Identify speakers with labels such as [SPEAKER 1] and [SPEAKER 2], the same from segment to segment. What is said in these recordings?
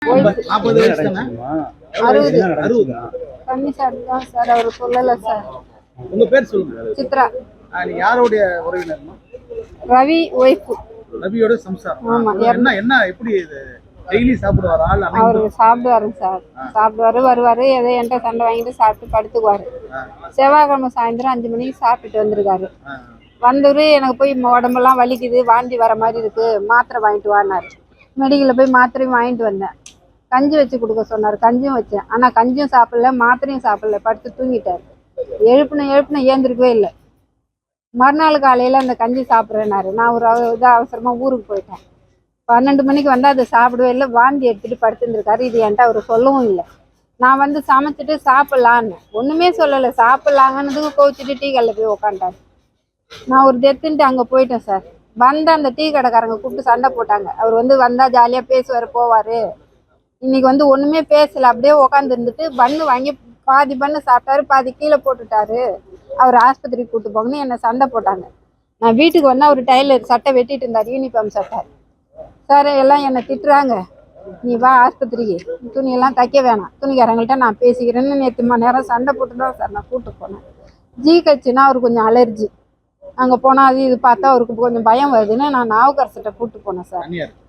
[SPEAKER 1] 40 வயசு தானே? 60.
[SPEAKER 2] கம்மி சார் தான் சார், அவர் சொல்லலை சார்.
[SPEAKER 1] உங்க பேர் சொல்லுங்க.
[SPEAKER 2] சித்ரா.
[SPEAKER 1] நீங்க யாருடைய உறவினர்மா?
[SPEAKER 2] ரவி ஒய்ஃப்.
[SPEAKER 1] ரவியோட சம்சாரம்.
[SPEAKER 2] ஆமா.
[SPEAKER 1] என்ன எப்படி இது டெய்லி சாப்பிடுவாரா?
[SPEAKER 2] அவரு சாப்பிடுவாருங்க சார். சாப்பிடுவாரு, வருவாரு, ஏதோ என்கிட்ட சண்டை வாங்கிட்டு சாப்பிட்டு படுத்துக்குவாரு. செவ்வாய்க்கிழமை சாயந்தரம் 5 மணிக்கு சாப்பிட்டுட்டு வந்திருக்காரு. வந்தவரு எனக்கு போய் உடம்பெல்லாம் வலிக்குது, வாந்தி வர மாதிரி இருக்கு, மாத்திரை வாங்கிட்டு வானாரு. மெடிக்கலில் போய் மாத்திரையும் வாங்கிட்டு வந்தேன். கஞ்சி வச்சு கொடுக்க சொன்னார், கஞ்சியும் வச்சேன். ஆனால் கஞ்சியும் சாப்பிடல, மாத்திரையும் சாப்பிடல, படுத்து தூங்கிட்டார். எழுப்புன ஏந்திருக்கவே இல்லை. மறுநாள் காலையில் அந்த கஞ்சி சாப்பிட்றேனாரு. நான் ஒரு அவசரமாக ஊருக்கு போயிட்டேன். 12 மணிக்கு வந்து அதை சாப்பிடவே இல்லை, வாந்தி எடுத்துகிட்டு படுத்துருந்துருக்காரு. இது என்கிட்ட அவர் சொல்லவும் இல்லை. நான் வந்து சமைச்சிட்டு சாப்பிட்லான்னு ஒன்றுமே சொல்லலை. சாப்பிட்லாங்கன்னதுக்கு கோவிச்சிட்டு டீ கடையில் போய் உக்காண்டாரு. நான் ஒரு டெத்துன்ட்டு அங்கே போயிட்டேன் சார். வந்த அந்த டீ கடைக்காரங்க கூப்பிட்டு சண்டை போட்டாங்க. அவர் வந்து வந்தால் ஜாலியாக பேசுவார் போவார். இன்னைக்கு வந்து ஒன்றுமே பேசலை, அப்படியே உக்காந்து இருந்துட்டு பன்னு வாங்கி பாதி பண்ணு சாப்பிட்டாரு, பாதி கீழே போட்டுட்டாரு. அவர் ஆஸ்பத்திரிக்கு கூப்பிட்டு போங்கன்னு என்னை சண்டை போட்டாங்க. நான் வீட்டுக்கு வந்து அவர் டைலர் சட்டை வெட்டிட்டு இருந்தார், யூனிஃபார்ம் சட்டை. சார் எல்லாம் என்னை திட்டுறாங்க, நீ வா ஆஸ்பத்திரிக்கு, துணியெல்லாம் தைக்க வேணாம், துணிக்காரங்கள்ட்ட நான் பேசிக்கிறேன்னு நேற்று மணி நேரம் சண்டை போட்டு தான் சார் நான் கூப்பிட்டு போனேன். ஜிஹெச்னா அவருக்கு கொஞ்சம் அலர்ஜி. அங்கே போனால் அது இது பார்த்தா அவருக்கு கொஞ்சம் பயம் வருதுன்னு நான் நாவுக்கரசிட்ட கூப்பிட்டு போனேன் சார்.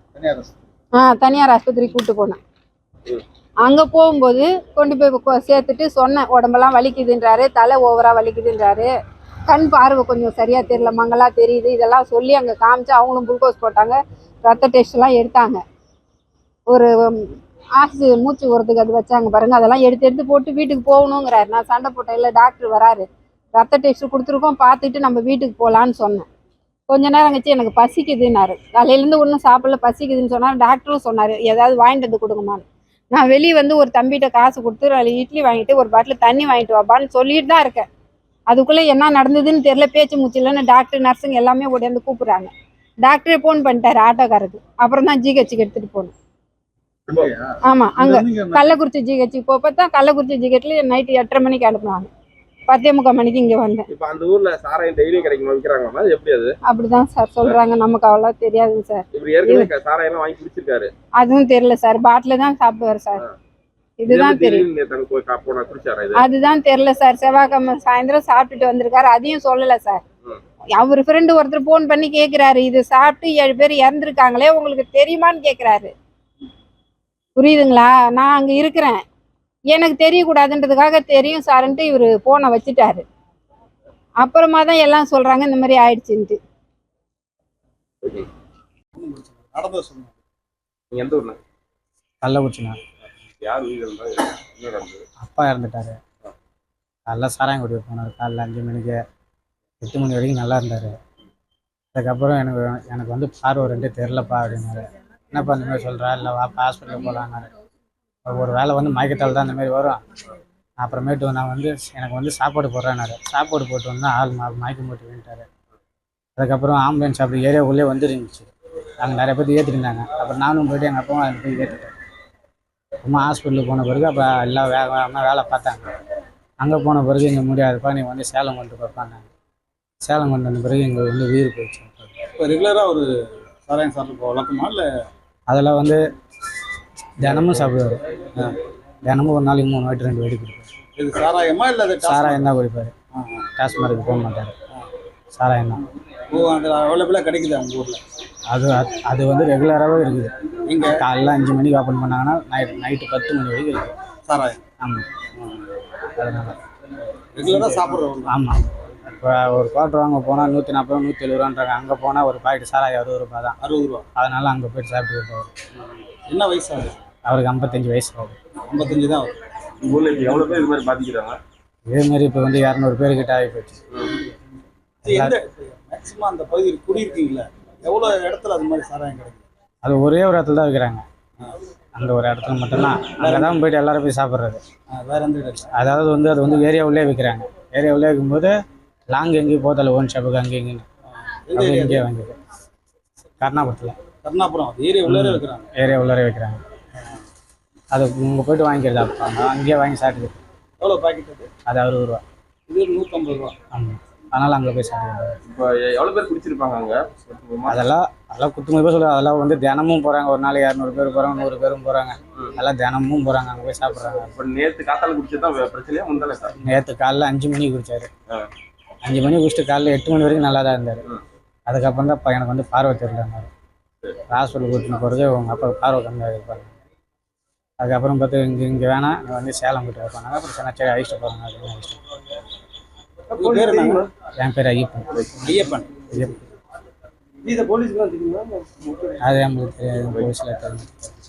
[SPEAKER 2] தனியார் ஆஸ்பத்திரிக்கு கூப்பிட்டு போனேன். அங்கே போகும்போது கொண்டு போய் சேர்த்துட்டு சொன்னேன், உடம்பெல்லாம் வலிக்குதுன்றாரு, தலை ஓவராக வலிக்குதுன்றாரு, கண் பார்வை கொஞ்சம் சரியாக தெரியல, மங்களா தெரியுது, இதெல்லாம் சொல்லி அங்கே காமிச்சு அவங்களும் குளுக்கோஸ் போட்டாங்க, ரத்த டெஸ்ட்லாம் எடுத்தாங்க. ஒரு மூச்சு உரத்துக்கு அது வச்சாங்க பாருங்கள், அதெல்லாம் எடுத்து போட்டு வீட்டுக்கு போகணுங்கிறாரு. நான் சண்டை போட்டேன், இல்லை டாக்டர் வராரு, ரத்த டெஸ்ட் கொடுத்துருக்கோம், பார்த்துட்டு நம்ம வீட்டுக்கு போகலான்னு சொன்னேன். கொஞ்ச நேரம் கழிச்சு எனக்கு பசிக்குதுன்னாரு. காலையிலேருந்து ஒன்றும் சாப்பிடல, பசிக்குதுன்னு சொன்னார். டாக்டரும் சொன்னார் ஏதாவது வாங்கிட்டு வந்து கொடுங்கம்மான்னு. நான் வெளியே வந்து ஒரு தம்பிகிட்ட காசு கொடுத்து அதில் இட்லி வாங்கிட்டு ஒரு பாட்டில் தண்ணி வாங்கிட்டு வாப்பான்னு சொல்லிட்டு தான் இருக்கேன். அதுக்குள்ளே என்ன நடந்ததுன்னு தெரியல, பேச்சு மூச்சில்லைன்னு டாக்டர் நர்ஸுங்க எல்லாமே ஓடியாந்து கூப்பிட்றாங்க. டாக்டரே ஃபோன் பண்ணிட்டாரு ஆட்டோக்காரருக்கு. அப்புறம் தான் ஜிஹெச்சுக்கு எடுத்துகிட்டு போகணும். ஆமாம், அங்கே கள்ளக்குறிச்சி ஜிஹெச்சுக்கு போப்போ தான் கள்ளக்குறிச்சி ஜிஹெச்சில் நைட்டு 8:30 மணிக்கு அனுப்புனாங்க. 10:45 மணிக்கு இங்கே வந்தேன்.
[SPEAKER 3] இப்போ அந்த ஊர்ல சாராயம் டெய்லியும் கிடைக்குமா, விற்கிறாங்களா, எப்படி அது?
[SPEAKER 2] அப்படிதான் சார் சொல்றாங்க, நமக்கு அவ்வளோ தெரியாதுங்க சார்.
[SPEAKER 3] இப்படி ஏற்கனவே சாராயம் வாங்கி குடிச்சிருக்காரு? அதுவும்
[SPEAKER 2] தெரியல சார், பாட்டில் தான் சாப்பிடுவார் சார். இதுதான் தெரியும். அதுதான் தெரியல சார். செவ்வாய்க்கிழமை சாயந்தரம் சாப்பிட்டுட்டு வந்திருக்காரு, அதையும் சொல்லலை சார். அவர் ஃப்ரெண்டு ஒருத்தர் ஃபோன் பண்ணி கேட்குறாரு, இது சாப்பிட்டு 7 பேர் இறந்துருக்காங்களே உங்களுக்கு தெரியுமான்னு கேட்குறாரு. புரியுதுங்களா? நான் அங்கே இருக்கிறேன், எனக்கு தெரியக்கூடாதுன்றதுக்காக தெரியும் சார்ன்ட்டு இவர் ஃபோனை வச்சுட்டாரு. அப்புறமா தான் எல்லாம் சொல்கிறாங்க இந்த மாதிரி ஆயிடுச்சுன்ட்டு.
[SPEAKER 4] கள்ளக்குறிச்சிண்ணா. அப்பா இறந்துட்டாரு. காலைல சாராயம் குடிக்க போனார். காலைல 5 மணிக்கு 8 மணி வரைக்கும் நல்லா இருந்தார். அதுக்கப்புறம் எனக்கு வந்து பார்வை 2 தெரிலப்பா அப்படின்னாரு. என்னப்பா இந்த மாதிரி சொல்கிறா, இல்லை வாப்பா ஹாஸ்பிட்டலுக்கு போகலான்னாரு. ஒரு வேளை வந்து மயக்கத்தால் தான் இந்தமாரி வரும். அப்புறமேட்டு நான் வந்து எனக்கு வந்து சாப்பாடு போடுறேன்னாரு. சாப்பாடு போட்டு வந்தால் ஆள் மயக்கம் போட்டு விட்டார். அதுக்கப்புறம் ஆம்புலன்ஸ் அப்படி ஏரியாவுக்குள்ளே வந்துருந்துச்சு. அங்கே நிறைய பேர் ஏற்றிருந்தாங்க. அப்புறம் நானும் போய்ட்டு எங்கள் அப்பாவும் அதை போய் ஏற்றிட்டேன். அம்மா ஹாஸ்பிட்டலுக்கு போன பிறகு அப்போ எல்லாம் வேகமாக வேலை பார்த்தாங்க. அங்கே போன பிறகு இங்கே முடியாதுப்பா, நீ வந்து சேலம் கொண்டு பார்ப்பாங்க. சேலம் கொண்டு வந்த பிறகு எங்களுக்கு வந்து உயிர் போயிடுச்சு.
[SPEAKER 1] இப்போ ரெகுலராக ஒரு சாராயம் சாப்பிட்டு வழக்கமா? இல்லை
[SPEAKER 4] அதெல்லாம் வந்து தினமும் சாப்பிடுவார். தினமும் ஒரு நாளைக்கு 3 வாட்டி 2 வாட்டி குடிப்பார்.
[SPEAKER 1] இது சாராயமா? இல்லை
[SPEAKER 4] சாராயம் தான் குடிப்பார். டாஸ்மார்க்கு போக மாட்டார், சாராயம் தான்.
[SPEAKER 1] அந்த அவைலபிளாக கிடைக்குது அவங்க ஊரில்?
[SPEAKER 4] அது வந்து ரெகுலராகவே இருக்குது. இங்கே காலைல 5 மணிக்கு ஓப்பன் பண்ணாங்கன்னா நைட்டு 10 மணி வரைக்கும் இருக்குது
[SPEAKER 1] சாராயம்.
[SPEAKER 4] ஆமாம், அதனால்
[SPEAKER 1] ரெகுலராக சாப்பிட்றோம்.
[SPEAKER 4] ஆமாம். இப்போ ஒரு குவார்டர் வாங்க போனால் 140 170 ரூபான்றாங்க. அங்கே போனால் ஒரு பாக்கெட் சாராயம் 60 ரூபா தான்.
[SPEAKER 1] 60 ரூபா.
[SPEAKER 4] அதனால அங்கே போய்ட்டு சாப்பிட்டு இருப்பார்.
[SPEAKER 1] என்ன வயசு ஆகுது
[SPEAKER 4] அவருக்கு? 55 வயசு ஆகுது.
[SPEAKER 1] 55 தான் ஆகுது.
[SPEAKER 3] ஊரில் எவ்வளோ பேர் இது மாதிரி பாதிக்கிறாங்க?
[SPEAKER 4] இதேமாரி இப்போ வந்து 200 பேர்கிட்ட ஆகி போச்சு.
[SPEAKER 1] மேக்ஸிமம் அந்த பகுதியில் குடியிருக்கீங்களா? எவ்வளோ இடத்துல அது மாதிரி சாராயம் கிடைக்கும்?
[SPEAKER 4] அது ஒரே ஒரு இடத்துல தான் வைக்கிறாங்க. அந்த ஒரு இடத்துல மட்டும்தான். அங்கே தான் போய்ட்டு எல்லாரும் போய் சாப்பிட்றது.
[SPEAKER 1] வேறு எந்த இடத்துல?
[SPEAKER 4] அதாவது வந்து அது வந்து ஏரியாவுள்ளே வைக்கிறாங்க. ஏரியாவுள்ளே வைக்கும்போது லாங் எங்கேயும் போதில்ல, ஓன் ஷாப்புக்கு அங்கே இங்கேன்னு அப்படி இங்கேயே வாங்கிது.
[SPEAKER 1] கருணாபுரம் ஏரியா உள்ளே வைக்கிறாங்க.
[SPEAKER 4] ஏரியா உள்ளே வைக்கிறாங்க. அது இங்கே போய்ட்டு வாங்கிக்கிறது. அப்போ அங்கேயே வாங்கி சாப்பிட்டுது.
[SPEAKER 1] எவ்வளோ பாக்கெட் அது?
[SPEAKER 4] அது 60 ரூபா.
[SPEAKER 1] இது 150 ரூபா.
[SPEAKER 4] ஆமாம். அதனால் அங்கே போய் சாப்பிடுவாங்க.
[SPEAKER 3] இப்போ எவ்வளவு பேர் குடிச்சிருப்பாங்க அங்க?
[SPEAKER 4] அதெல்லாம் குத்துமதிப்பாக சொல்லுவாங்க. அதெல்லாம் வந்து தினமும் போகிறாங்க. ஒரு நாள் 200 பேர் போகிறாங்க, 100 பேரும் போகிறாங்க. அதெல்லாம் தினமும் போகிறாங்க, அங்கே போய் சாப்பிட்றாங்க.
[SPEAKER 3] இப்போ நேற்று காத்தால குடிச்சதான் பிரச்சனையா முந்தானே சார்?
[SPEAKER 4] நேற்று காலைல 5 மணிக்கு குடிச்சாரு. 5 மணிக்கு குடிச்சிட்டு காலைல 8 மணி வரைக்கும் நல்லா தான் இருந்தார். அதுக்கப்புறம் தான் எனக்கு வந்து பார்வை தெரியலன்னாரு. ஹாஸ்பிட்டல் கூட்டின்னு போகிறது உங்கள் அப்பா பார்வை கம்மியாக இருப்பாங்க. அதுக்கப்புறம் பார்த்து இங்கே வேணாம், நீ வந்து சேலம் போய்ட்டு வைப்பாங்க. அப்புறம் சரி அழிச்சிட்டு போகிறாங்க அப்படின்னு அழிச்சிட்டு.
[SPEAKER 1] பேர் என்ன?
[SPEAKER 4] என் பேர் ஐயப்பன்.
[SPEAKER 1] ஐயப்பன்.
[SPEAKER 4] ஐயப்பன்.
[SPEAKER 1] இதை போலீஸ்க்குலாம் தெரியுமா?
[SPEAKER 4] அது நம்மளுக்கு தெரியாது, போலீஸில் தெரியும்.